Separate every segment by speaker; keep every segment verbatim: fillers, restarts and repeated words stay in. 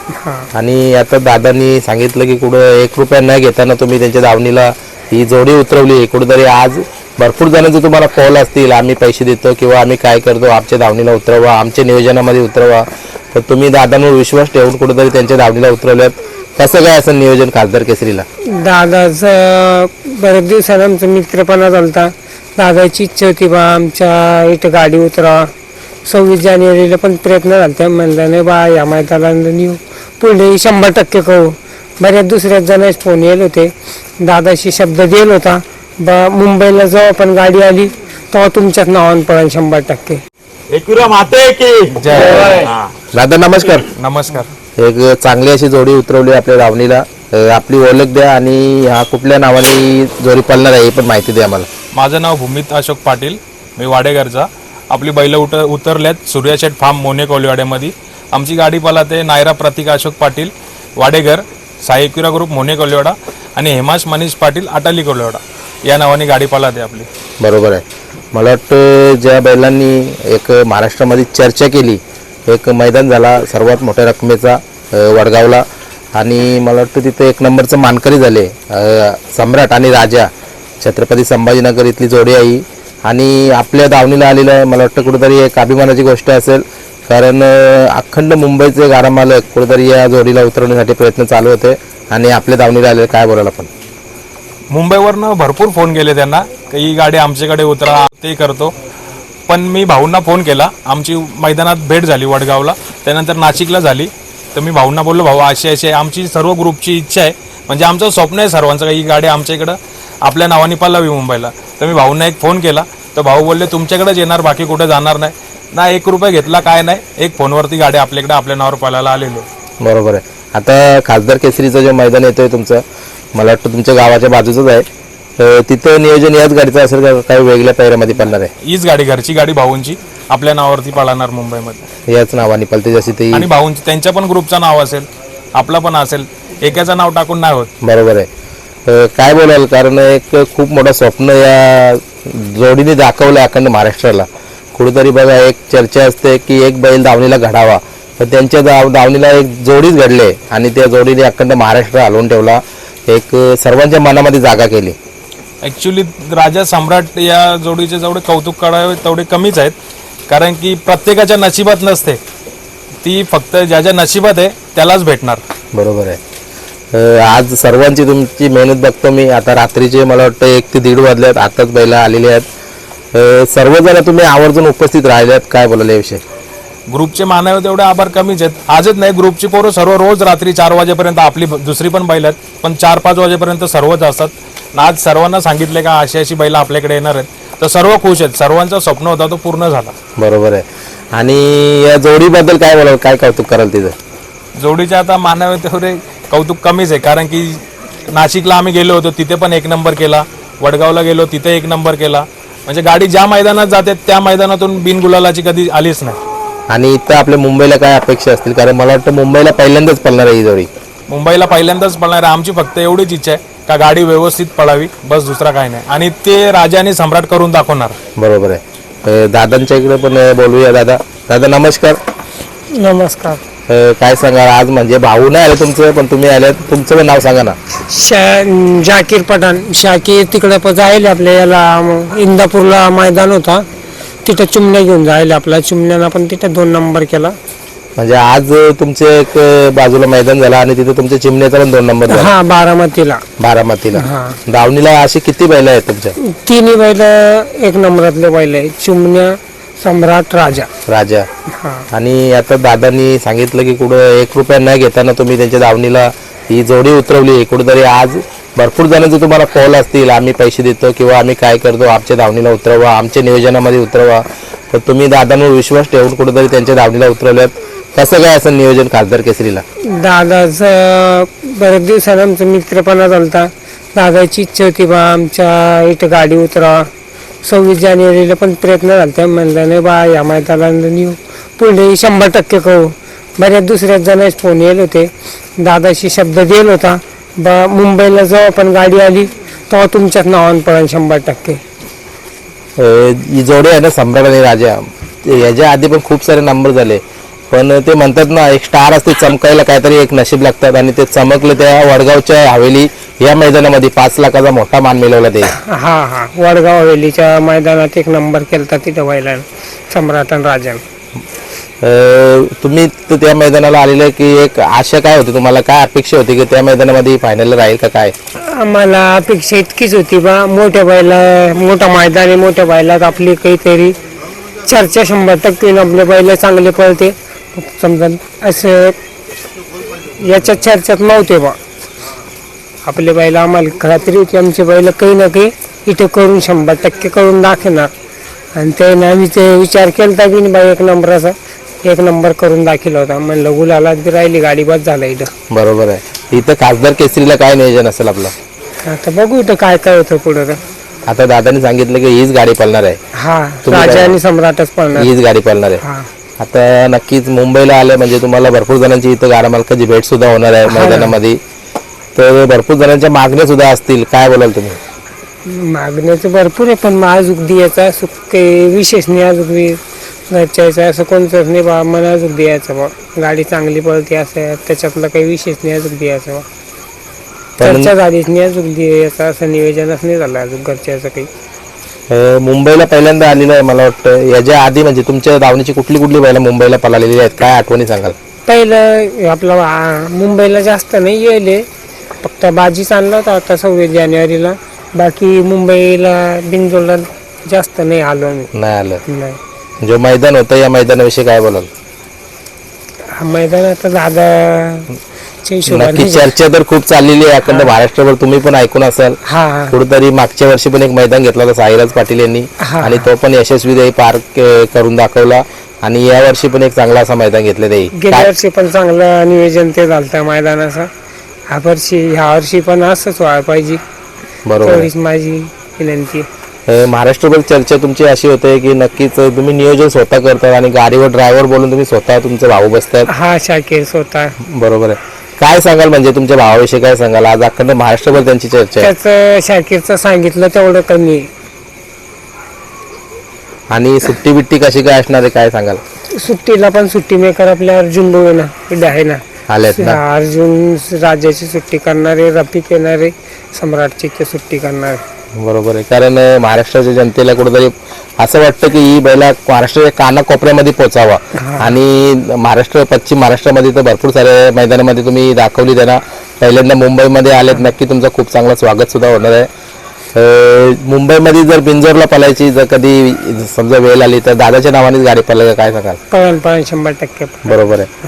Speaker 1: आणि आता दादांनी सांगितलं की कुठं एक रुपया न घेताना तुम्ही त्यांच्या दावणीला ही जोडी उतरवली. कुठेतरी आज भरपूर जणांचे तुम्हाला कॉल असतील, आम्ही पैसे देतो किंवा आम्ही काय करतो, आमच्या दावणीला उतरवा, आमच्या नियोजनामध्ये उतरवा. तर तुम्ही दादांवर विश्वास ठेवून कुठेतरी त्यांच्या दावणीला उतरवल्यात. कसं काय असं नियोजन खासदार केसरीला?
Speaker 2: दादाचं बरेच दिवसाला आमचा मित्रपणा झालता. दादाची इच्छा होती बा आमच्या इथं गाडी उतरा. सव्वीस जानेवारीला पण प्रयत्न झाला, म्हणलं नाही बा या मैदानाला नेऊ, पुढे शंभर टक्के करू. बऱ्याच दुसऱ्याच जणांचे फोन येत होते. दादाशी शब्द दिला होता बा मुंबईला जेव्हा पण गाडी आली तेव्हा तुमच्याच नावानं पडेल शंभर टक्के.
Speaker 3: एकविरा माते की
Speaker 1: जय. दादा नमस्कार.
Speaker 4: नमस्कार.
Speaker 1: एक चांगली अशी जोडी उतरवली आपल्या दावणीला. आपली ओळख द्या आणि हा कुठल्या नावाने जोडी पळणार आहे हे पण माहिती द्या आम्हाला.
Speaker 4: माझं नाव भूमित अशोक पाटील, मी वाडेघरचा. आपली बैल उतर उतरल्यात सूर्याशेठ फार्म मोने कोलिवाड्यामध्ये. आमची गाडी पळते नायरा प्रतीक अशोक पाटील वाडेघर, साई एकविरा ग्रुप मोने कोलिवाडा आणि हेमाश मनीष पाटील अटाली कोलिवाडा या नावाने गाडी पळते आपली.
Speaker 1: बरोबर आहे. मला वाटतं ज्या बैलांनी एक महाराष्ट्रामध्ये चर्चा केली, एक मैदान झाला सर्वात मोठ्या रकमेचा वडगावला, आणि मला वाटतं तिथे एक नंबरचं मानकरी झाले सम्राट आणि राजा. छत्रपती संभाजीनगर इथली जोडी आहे आणि आपल्या दावणीला आलेलं आहे. मला वाटतं कुठेतरी एक अभिमानाची गोष्ट असेल, कारण अखंड मुंबईचे गाडा मालक कुठेतरी या जोडीला उतरवण्यासाठी प्रयत्न चालू होते आणि आपल्या दावणीला आलेलं. काय बोलायला? पण
Speaker 4: मुंबईवरनं भरपूर फोन केले त्यांना की ही गाडी आमच्याकडे उतरा, ते करतो. पण मी भाऊंना फोन केला, आमची मैदानात भेट झाली वडगावला, त्यानंतर नाशिकला झाली. तर मी भाऊंना बोललो, भाऊ अशी अशी आहे, आमची सर्व ग्रुपची इच्छा आहे, म्हणजे आमचं स्वप्न आहे सर्वांचं ही गाडी आमच्या इकडं आपल्या नावाने पळावी मुंबईला. तर मी भाऊंना एक फोन केला, तर भाऊ बोलले तुमच्याकडेच येणार, बाकी कुठे जाणार नाही. ना एक रुपये घेतला काय नाही, एक फोनवरती गाडी आपल्याकडे आपल्या नावावर पळायला आलेली आहे.
Speaker 1: बरोबर आहे. आता खासदार केसरीचं जे मैदान येतोय तुमचं, मला वाटतं तुमच्या गावाच्या बाजूचंच आहे, तिथं नियोजन याच गाडीचं असेल का काही वेगळ्या पैऱ्यामध्ये पळणार आहे?
Speaker 4: हीच गाडी घरची गाडी भाऊंची आपल्या नावावरती पळणार मुंबईमध्ये.
Speaker 1: याच नावाने पळते जशी ती.
Speaker 4: आणि भाऊंची त्यांच्या पण ग्रुपचं नाव असेल, आपलं पण असेल, एकाचं नाव टाकून नाही होत.
Speaker 1: बरोबर आहे. काय बोलाल? कारण एक खूप मोठं स्वप्न या जोडीने दाखवलं अखंड महाराष्ट्राला. कुठेतरी बघा एक चर्चा असते की एक बैल दावणीला घडावा, तर त्यांच्या दाव दावणीला एक जोडीच घडले आणि त्या जोडीने अखंड महाराष्ट्र हलवून ठेवला, एक सर्वांच्या मनामध्ये जागा केली.
Speaker 4: ॲक्च्युली राजा सम्राट या जोडीचे जेवढे कौतुक करावे तेवढे कमीच आहेत, कारण की प्रत्येकाच्या नशिबात नसते ती, फक्त ज्याच्या नशिबात आहे त्यालाच भेटणार.
Speaker 1: बरोबर आहे. आज सर्वांची तुमची मेहनत बघतो मी. आता रात्रीचे मला वाटतं एक ते दीड वाजल्यात, आताच बैला आलेले आहेत. सर्वजण तुम्ही आवर्जून उपस्थित राहिल्यात, काय बोलायला याविषयी?
Speaker 4: ग्रुपचे मानावे तेवढे आभार कमीच आहेत. आजच नाही, ग्रुपची पोरं सर्व रोज रात्री चार वाजेपर्यंत, आपली दुसरी पण बैल आहेत पण चार पाच वाजेपर्यंत सर्वच असतात. आज सर्वांना सांगितले का अशी अशी बैल आपल्याकडे येणार आहेत, तर सर्व खुश आहेत. सर्वांचा स्वप्न होता तो पूर्ण झाला.
Speaker 1: बरोबर आहे. आणि या जोडीबद्दल काय बोलाल, काय कौतुक कराल? तिथं
Speaker 4: जोडीचे आता मानावे तेवढे कौतुक कमीच आहे, कारण की नाशिकला आम्ही गेलो होतो तिथे पण एक नंबर केला, वडगावला गेलो तिथे एक नंबर केला. म्हणजे गाडी ज्या मैदानात जाते त्या मैदानातून बिनगुलालाची कधी आलीच नाही.
Speaker 1: आणि इथं आपल्या मुंबईला काय अपेक्षा असतील? कारण मला वाटतं मुंबईला पहिल्यांदाच पळणार आहे ही जोडी.
Speaker 4: मुंबईला पहिल्यांदाच पळणार आहे. आमची फक्त एवढीच इच्छा आहे का गाडी व्यवस्थित पळावी, बस, दुसरा काही नाही. आणि ते राजाने सम्राट करून दाखवणार.
Speaker 1: बरोबर आहे. दादांच्या इकडे पण बोलूया. दादा दादा नमस्कार.
Speaker 2: नमस्कार.
Speaker 1: काय सांगा आज? म्हणजे भाऊ नाही आले तुमचं, पण तुम्ही आले, तुमचं पण नाव सांगा ना.
Speaker 2: शा जाकीर पठाण. शाकीर तिकडे जायला आपल्या याला इंदापूरला मैदान होता, तिथं चिमण्या घेऊन जायला आपला. चिमण्यानं पण तिथं दोन नंबर केला.
Speaker 1: म्हणजे आज तुमचे एक बाजूला मैदान झाला आणि तिथे तुमच्या चिमण्याचा पण दोन नंबर झाला.
Speaker 2: हा, बारामतीला.
Speaker 1: बारामतीला. दावणीला अशी किती बैल आहेत तुमच्या?
Speaker 2: तिन्ही बैल एक नंबरातले बैल आहेत, चिमण्या, सम्राट, राजा.
Speaker 1: राजा. आणि आता दादांनी सांगितलं की कुठं एक रुपया न घेताना तुम्ही त्यांच्या दावणीला ही जोडी उतरवली. कुठेतरी आज भरपूर जणांचे तुम्हाला कॉल असतील, आम्ही पैसे देतो किंवा आम्ही काय करतो, आमच्या दावणीला उतरवा, आमच्या नियोजनामध्ये उतरवा. तर तुम्ही दादांवर विश्वास ठेवून कुठेतरी त्यांच्या दावणीला उतरवल्यात. कसं काय असं नियोजन खासदार केसरीला?
Speaker 2: दादाचं बरेच दिवसाला आमचा मित्रपणा झालता. दादाची इच्छा होती बा आमच्या इथं गाडी उतरा. सव्वीस जानेवारीला पण प्रयत्न झाला, म्हणलं नाही बा या मैदानाला नेऊ, पुढे शंभर टक्के करू. बऱ्याच दुसऱ्याच जणांचे फोन येत होते. दादाशी शब्द दिला होता बा मुंबईला जेव्हा पण गाडी आली तेव्हा तुमच्याच नावानं पडेल शंभर टक्के.
Speaker 1: ही जोडी आहे ना सम्राट आणि राजा, याच्या आधी पण खूप सारे नंबर झाले. पण ते म्हणतात ना एक स्टार असते, चमकायला काहीतरी एक नशीब लागतात आणि ते चमकलं त्या वडगावच्या हवेली या मैदानामध्ये पाच लाखाचा मोठा मान मिळवला ते.
Speaker 2: हा हा वडगाव हवेलीच्या मैदानात एक नंबर केलता तिथं व्हायला सम्राट आणि राजन.
Speaker 1: अं, तुम्ही तर त्या मैदानाला आलेले की एक आशा काय होती तुम्हाला, काय अपेक्षा होती की त्या मैदानामध्ये फायनल राहील का काय?
Speaker 2: आम्हाला अपेक्षा इतकीच होती बा मोठ्या बैला मोठा मैदान आहे, मोठ्या बैलात आपली काहीतरी चर्चा शंभर टक्के होईल, आपले बैल चांगले पळते समजा असं याच्यात चर्चेत नव्हते बा आपले बैल. आम्हाला खात्री होती आमचे बैल काही ना काही इथं करून शंभर टक्के करून दाखवणार आणि त्याने आम्ही ते विचार केला बी बाई एक नंबराचा एक नंबर करून दाखवला होता. म्हणलं गुलाला बी राहिली गाडी बस झाला इथं.
Speaker 1: बरोबर आहे. इथं खासदार केसरीला काय नियोजन असेल आपलं?
Speaker 2: आता बघू इथं काय काय होतं पुढं.
Speaker 1: आता दादाने सांगितलं की हीच गाडी पळणार आहे,
Speaker 2: हा
Speaker 1: तुम्ही
Speaker 2: राजा
Speaker 1: काय-
Speaker 2: आणि सम्राटच पळणार.
Speaker 1: हीच गाडी पळणार आहे.
Speaker 2: हा
Speaker 1: आता नक्कीच मुंबईला आले म्हणजे तुम्हाला भरपूर जणांची इथं गाडा मालकाची भेट सुद्धा होणार आहे मैदानामध्ये, तर भरपूर जणांच्या मागण्या सुद्धा असतील, काय बोलाल तुम्ही?
Speaker 2: मागण्याचं भरपूर आहे पण अजून द्यायचा असं काही विशेष नाही. अजून बी घरच्याचं असं कोणतंच नाही बा मला अजून द्यायचं बा गाडी चांगली पळते असं त्याच्यातलं काही विशेष नाही अजून द्यायचं बा.
Speaker 1: पण
Speaker 2: चर्चा झालीच नाही अजून द्यायचं असं नियोजनच नाही झालं अजून घरच्याचं काही.
Speaker 1: अं, मुंबईला पहिल्यांदा आलेलं आहे मला वाटतं. याच्या आधी म्हणजे तुमच्या धावणीची कुठली कुठली बैलं मुंबईला पळालेली आहेत, काय आठवणी सांगाल?
Speaker 2: पहिलं आपलं आ, मुंबईला जास्त नाही येले, फक्त बाजीच आणला होता आता सव्वीस जानेवारीला. बाकी मुंबईला बिनजोडला जास्त नाही आलो आम्ही.
Speaker 1: नाही आलं.
Speaker 2: नाही
Speaker 1: जो मैदान होतं या मैदानाविषयी काय बोलाल?
Speaker 2: हा मैदान आता दादाच्या हिशोबाने
Speaker 1: नक्की चर्चा तर खूप चाललेली आहे अखंड महाराष्ट्रभर, तुम्ही पण ऐकून असाल.
Speaker 2: हा हा
Speaker 1: कुठेतरी मागच्या वर्षी पण एक मैदान घेतला होता साईराज पाटील यांनी
Speaker 2: हा.
Speaker 1: आणि तो पण यशस्वी पार के- करून दाखवला आणि या वर्षी पण एक चांगला असा मैदान घेतलं ते.
Speaker 2: गेल्या वर्षी पण चांगलं नियोजन ते झालं मैदानाचं. ह्या वर्षी ह्या वर्षी पण असंच व्हायला पाहिजे
Speaker 1: बरोबर आहे.
Speaker 2: तेवढीच माझी विनंती.
Speaker 1: अं, महाराष्ट्रभर चर्चा तुमची अशी होते की नक्कीच तुम्ही नियोजन स्वतः करतात आणि गाडीवर ड्रायव्हर बोलून तुम्ही स्वतः तुमचे भाऊ बसतात.
Speaker 2: हा शाकीर स्वतः
Speaker 1: बरोबर आहे. काय सांगाल म्हणजे तुमच्या भावाविषयी काय सांगाल? आज अखंड महाराष्ट्रभर त्यांची चर्चा आहे
Speaker 2: त्याचं शाकीरचं सांगितलं तेवढं कमी.
Speaker 1: आणि सुट्टी बिट्टी कशी काय असणार आहे काय सांगाल?
Speaker 2: सुट्टीला पण सुट्टी मेकर आपल्या अर्जुन भाऊ आहे ना इथे आहे ना,
Speaker 1: आलेत ना?
Speaker 2: अर्जुन राजाची सुट्टी करणारे, रफिक येणारे, सम्राटची ते सुट्टी करणारे.
Speaker 1: बरोबर आहे. कारण अं, महाराष्ट्राच्या जनतेला कुठेतरी असं वाटतं की ही बैला महाराष्ट्राच्या कानाकोपऱ्यामध्ये पोचावा आणि महाराष्ट्र पश्चिम महाराष्ट्रामध्ये तर भरपूर साऱ्या मैदानामध्ये तुम्ही दाखवली त्यांना. पहिल्यांदा मुंबईमध्ये आलेत, नक्की तुमचं खूप चांगलं स्वागत सुद्धा होणार आहे. अं, मुंबईमध्ये जर बिंजोरला पळायची जर कधी समजा वेळ आली तर दादाच्या नावानेच गाडी पळायला काय सांगाल?
Speaker 2: पळण पळण शंभर टक्के.
Speaker 1: बरोबर आहे.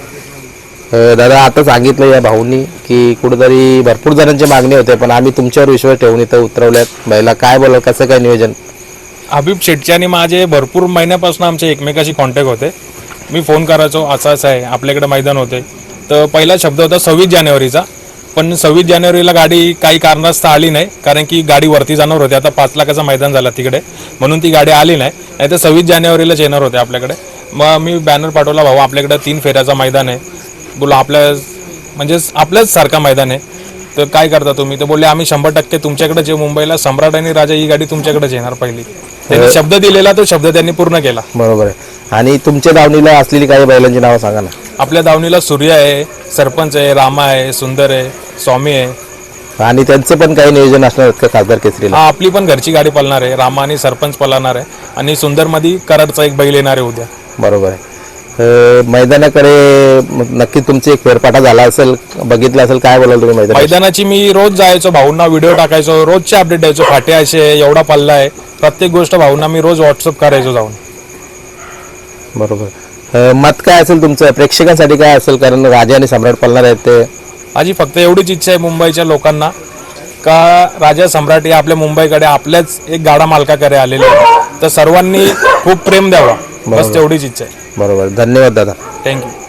Speaker 1: अं, दादा आता सांगितलं या भाऊंनी की कुठेतरी भरपूर जणांची मागणी होते पण आम्ही तुमच्यावर विश्वास ठेवून इथं उतरवल्यात. बैला काय बोला, कसं काय नियोजन?
Speaker 4: हबीब शेटचे आणि माझे भरपूर महिन्यापासून आमचे एकमेकाशी कॉन्टॅक्ट होते. मी फोन करायचो असं असं आहे आपल्याकडे मैदान होते, तर पहिला शब्द होता सव्वीस जानेवारीचा. पण सव्वीस जानेवारीला गाडी काही कारणास्तव आली नाही, कारण की गाडी वरती जाणार होती. आता पाच लाखाचा मैदान झाला तिकडे म्हणून ती गाडी आली नाही, नाही तर सव्वीस जानेवारीलाच येणार होते आपल्याकडे. मग मी बॅनर पाठवला, भाऊ आपल्याकडे तीन फेऱ्याचा मैदान आहे, बोला आपल्या म्हणजे आपल्याच सारखा मैदान आहे, तर काय करता तुम्ही? तर बोलले आम्ही शंभर टक्के तुमच्याकडे जे मुंबईला सम्राट आणि राजा ही गाडी तुमच्याकडेच येणार पहिली. त्यांनी शब्द दिलेला तो शब्द त्यांनी पूर्ण केला.
Speaker 1: बरोबर आहे. आणि तुमच्या दावणीला असलेली काही बैलांची नावं सांगा ना.
Speaker 4: आपल्या दावणीला सूर्य आहे, सरपंच आहे, रामा आहे, सुंदर आहे, स्वामी आहे.
Speaker 1: आणि त्यांचं पण काही नियोजन असणार आहेत का खासदार केसरीला?
Speaker 4: हा आपली पण घरची गाडी पळणार आहे, रामा आणि सरपंच पळणार आहे आणि सुंदरमध्ये कराडचा एक बैल येणार आहे उद्या.
Speaker 1: बरोबर आहे. अं, मैदानाकडे नक्की तुमची एक फेरफाटा झाला असेल, बघितला असेल, काय बोलाल तुम्ही मैदान?
Speaker 4: मैदानाची मी रोज जायचो, भाऊंना व्हिडिओ टाकायचो, रोजचे अपडेट द्यायचो, फाटे असे एवढा पल्ला आहे, प्रत्येक गोष्ट भाऊंना मी रोज व्हॉट्सअप करायचो जाऊन.
Speaker 1: बरोबर. अं, मत काय असेल तुमचं प्रेक्षकांसाठी काय असेल, कारण राजा आणि सम्राट पळणार आहेत ते?
Speaker 4: माझी फक्त एवढीच इच्छा आहे मुंबईच्या लोकांना का राजा सम्राट हे आपल्या मुंबईकडे आपल्याच एक गाडा मालकाकडे आलेले आहे, तर सर्वांनी खूप प्रेम द्यावा, बस तेवढीच इच्छा आहे.
Speaker 1: बरोबर. धन्यवाद दादा.
Speaker 4: थँक्यू.